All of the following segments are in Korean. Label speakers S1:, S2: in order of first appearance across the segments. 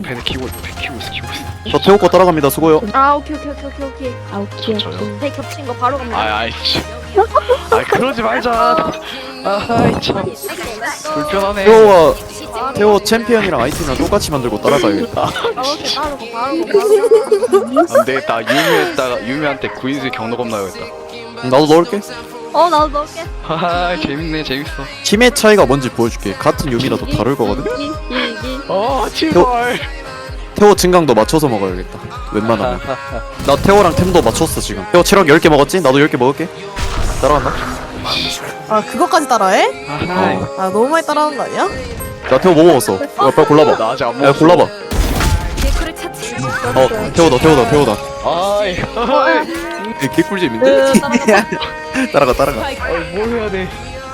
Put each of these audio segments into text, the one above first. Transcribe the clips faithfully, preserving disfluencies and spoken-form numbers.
S1: 배드 키고 배 키고 있어 키고 있어.
S2: 저 태호 거 따라갑니다. 수고요.
S3: 아 오케이 오케이 오케이 오케이 오케이.
S4: 아 오케이
S1: 저요?
S4: 오케이.
S3: 배 겹친 거 바로 갑니다.
S1: 아 아이 씨. 아 그러지 말자. 아이 참 불편하네.
S2: 태호와 태호 챔피언이랑 아이템이랑 똑같이 만들고 따라가야겠다.
S3: 아 오케이 바로 가 바로 가 바로 가.
S1: 안 되겠다. 유미했다가 유미한테 구인수 경로 겁나야겠다.
S2: 나도 넣을게.
S3: 어 나도 넣을게.
S1: 하하 재밌네 재밌어.
S2: 힘의 차이가 뭔지 보여줄게. 같은 유미라도 다를 거거든.
S3: 이, 이, 이.
S1: 어 제발.
S2: 태호 증강도 맞춰서 먹어야겠다. 웬만하면. 나 태호랑 템도 맞췄어 지금. 태호 체력 열 개 먹었지? 나도 열 개 먹을게. 따라간다.
S5: 아 그거까지 따라해?
S1: 아하.
S2: 어.
S5: 아 너무 많이 따라하는 거 아니야?
S2: 나 태호 뭐 먹었어? 야, 빨리 골라봐.
S1: 나 아직 안
S2: 야
S1: 먹었어.
S2: 골라봐.
S3: 개꿀을 찾지.
S2: 어 태호다 태호다 태호다.
S1: 아이.
S3: 어, 야.
S2: 이 개꿀잼인데?
S3: 으, 따라가.
S2: 따라가 따라가.
S1: 아이 뭘 해야 돼?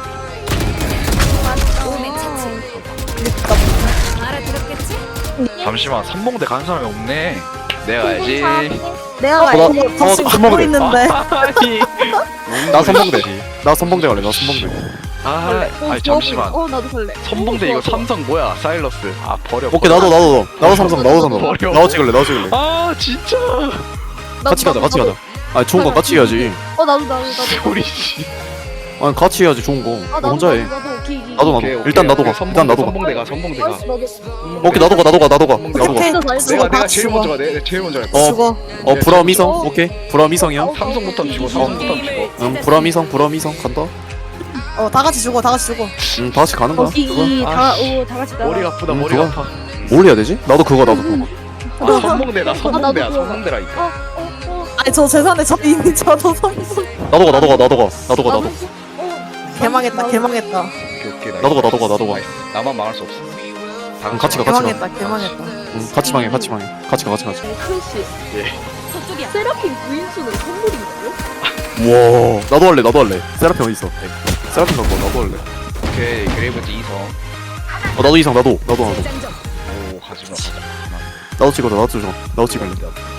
S1: 잠시만 삼봉대 간 사람이 없네. 내가 가야지.
S5: 내가
S2: 어,
S5: 막
S2: 나-
S5: 이거
S2: 어,
S5: 덮치고
S2: 나
S5: 보고
S2: 먹을래.
S5: 있는데
S1: 아니.
S2: 나 선봉대. 나 선봉대 갈래. 나 선봉대.
S1: 아, 아니 잠시만.
S3: 어 나도 설레.
S1: 선봉대 이거 삼성 뭐야? 사일러스. 아 버려.
S2: 오케이 나도 나도 나도 삼성 나도 삼성.
S1: 버려.
S2: 나도 찍을래. 나도 찍을래.
S1: 아 진짜.
S2: 같이 가자. 같이 가자. 아니 좋은 거 같이 해야지.
S3: 어 나도 나도 나도.
S1: 우리 씨.
S2: 아니 같이 해야지 좋은 거.
S3: 아
S2: 너
S3: 나도
S2: 혼자 해.
S3: 나도 나도 기 기.
S2: 나도 나도.
S1: 오케이, 오케이,
S2: 일단 나도
S1: 오케이.
S2: 가.
S1: 선봉-
S2: 일단 나도 가.
S1: 선봉대가 선봉대가.
S3: 나도.
S2: 오케이 나도 가. 나도 가. 나도 가. 나도 가.
S5: 오케이
S1: 내가 내가
S5: 같이
S1: 제일
S5: 죽어
S1: 먼저 가. 내가 내가 제일 먼저 갈
S2: 어.
S1: 거야.
S5: 죽어
S2: 어 불암이성. 오케이. 불암이성이야.
S1: 삼성부터 죽어. 삼성부터 죽어.
S2: 응 불암이성 불암이성 간다.
S5: 어 다 같이 죽어 다 같이 죽어
S2: 응 다 같이 가는 거야. 그거.
S3: 이다오다 같이 나가.
S1: 머리가 아프다.
S2: 응,
S1: 머리가
S2: 그거.
S1: 아파.
S2: 뭘 해야 되지? 나도 그거 나도 그거.
S1: 아 선봉대다. 선봉대야.
S3: 나도 그거.
S1: 선봉대라니까.
S3: 어, 어, 어.
S5: 아니 저 재산에 저 이미 저도 삼성
S2: 나도 가 나도 가 나도 가 나도 가 나도.
S5: 개망했다 개망했다
S1: 오케이 오케이.
S2: 나도 가 나도 가 나도 가.
S1: 나이스. 나만 망할 수 없어. 다
S2: 응, 같이 가 같이 가.
S5: 개망했다 개망했다
S2: 응 같이 망해 같이 망해. 같이 가 같이 가자.
S3: 크래쉬.
S1: 예.
S3: 세라핀 구인수는 선물인가요?
S2: 와 나도 할래 나도 할래. 세라핀 어디 있어? 세라핀 갖고 와, 나도 할래.
S1: 오케이 그레이브즈 이성.
S2: 어 나도 이상 나도 나도 나도.
S1: 오 하지마.
S2: 나도 찍어줘 나도 찍어 나도 찍을래.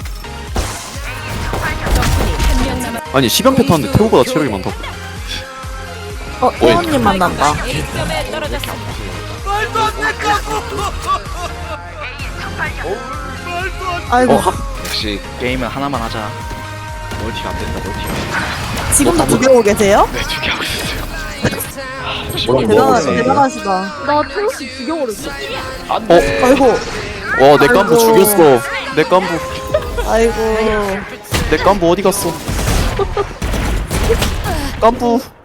S2: 아니 시간패 타는데 태호보다 체력이 많다.
S5: 어 태원님 만난다 아이고
S2: 어
S1: 역시 게임은 하나만 하자. 멀티가 안 된다. 멀티가.
S5: 지금도 두개 오고 계세요?
S1: 네, 두 개 하고 있어요.
S2: 뭐라고
S5: 대단하,
S2: 먹었어?
S5: 대단하시다
S3: 나 태우씨 죽여버렸어.
S1: 안
S2: 어?
S1: 돼.
S5: 아이고
S2: 와내 깐부
S5: 아이고.
S2: 죽였어. 내 깐부
S5: 아이고
S2: 내 깐부 어디 갔어? 깐부